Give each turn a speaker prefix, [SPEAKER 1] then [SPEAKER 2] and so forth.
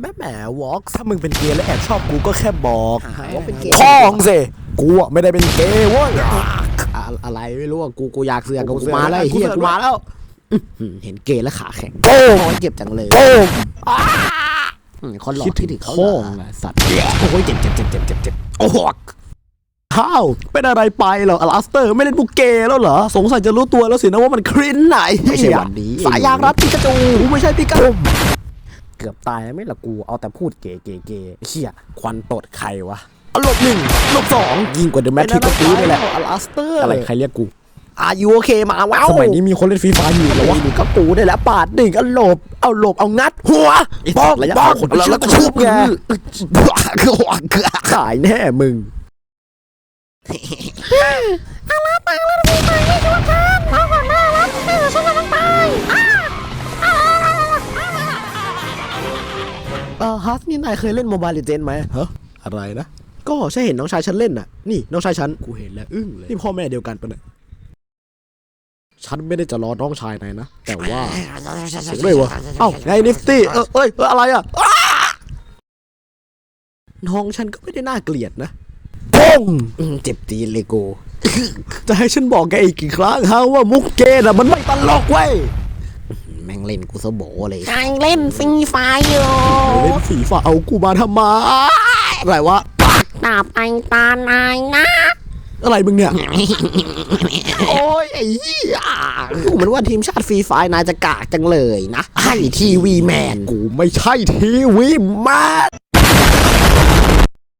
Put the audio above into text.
[SPEAKER 1] แหมวอล์กถ้ามึงเป็นเกย์และแอบชอบกูก็แค่บอก
[SPEAKER 2] ว่าเป็นเกย์
[SPEAKER 1] พ้องสิกูอะไม่ได้เป็นเกย์เว้ย
[SPEAKER 2] อะไรไม่รู้อ่ะกูอยากเสือกกูมาแล้วไอ้เหี้ยกูมาแล้วเห็นเกย์แล้วขาแข็ง
[SPEAKER 1] โป้ง
[SPEAKER 2] เจ็บจังเลย
[SPEAKER 1] โป้ง
[SPEAKER 2] คนหลอกที่ถึงเขา
[SPEAKER 1] โป้ง
[SPEAKER 2] สัตว์โอ้ยเจ็บโอ้โห
[SPEAKER 1] ข้าวเป็นอะไรไปเหรออลาสเตอร์ไม่เล่นบุกเกย์แล้วเหรอสงสัยจะรู้ตัวแล้วสินะว่ามันครินไหน
[SPEAKER 2] ไม่ใช่วันนี้
[SPEAKER 1] สายยางรัดปิกาจูไม่ใช่ปิกาจู
[SPEAKER 2] เกือบตายแล้วไม่ละกูเอาแต่พูดเกย์เหี้ยควันตดใครวะ
[SPEAKER 1] ลบหนึ่งลบสอง
[SPEAKER 2] ยิ่งกว่าเดอะแมทริกซ์ก็ตีนี่แหละ
[SPEAKER 1] อลาสเตอร์
[SPEAKER 2] อะไรใครเรียกกู
[SPEAKER 1] อายุโอเคมาว้าวสมัยนี้มีคนเล่นฟรีไฟร์อยู่แล้ววะ
[SPEAKER 2] นี่ก็กูได้แล้วปาดดิ่งเอาหลบเอางัดหัว
[SPEAKER 1] บ้อง
[SPEAKER 2] ระยะ
[SPEAKER 1] บ้อง
[SPEAKER 2] คน
[SPEAKER 1] แล้วก็ชุบไงขายแน่มึงฮัสนี่นายเคยเล่นโมบายเลเจนด์ไหมฮะอะไรนะก็ใช่เห็นน้องชายฉันเล่นน่ะนี่น้องชายฉันกูเห็นแล้วอึ้งเลยนี่พ่อแม่เดียวกันปะเนี่ยฉันไม่ได้จะรอน้องชายนายนะแต่ว่าเสียงด้วยวะเอ้าไงนิฟตี้เอ้ยอะไรอ่ะน้องฉันก็ไม่ได้น่าเกลียดนะป้ง
[SPEAKER 2] เจ็บตีนเลยกู
[SPEAKER 1] จะให้ฉันบอกแกอีกกี่ครั้งฮะว่ามุกเกย์น่ะมันไม่ตลกเว้ย
[SPEAKER 2] แม่งเล่นกูซะโบเลย
[SPEAKER 3] กำลังเล่นฟรีไฟอยู่
[SPEAKER 1] เล่นฝีฝ่าเอากูมาทำไมอะไรวะ
[SPEAKER 3] ดาบไอตานายนะ
[SPEAKER 1] อะไรมึงเนี่ย
[SPEAKER 2] โอ้ยไอ้เหี้ยดูเหมือนว่าทีมชาติฟรีไฟนายจะกากจังเลยนะไอ้ทีวีแมน
[SPEAKER 1] กูไม่ใช่ทีวีแมน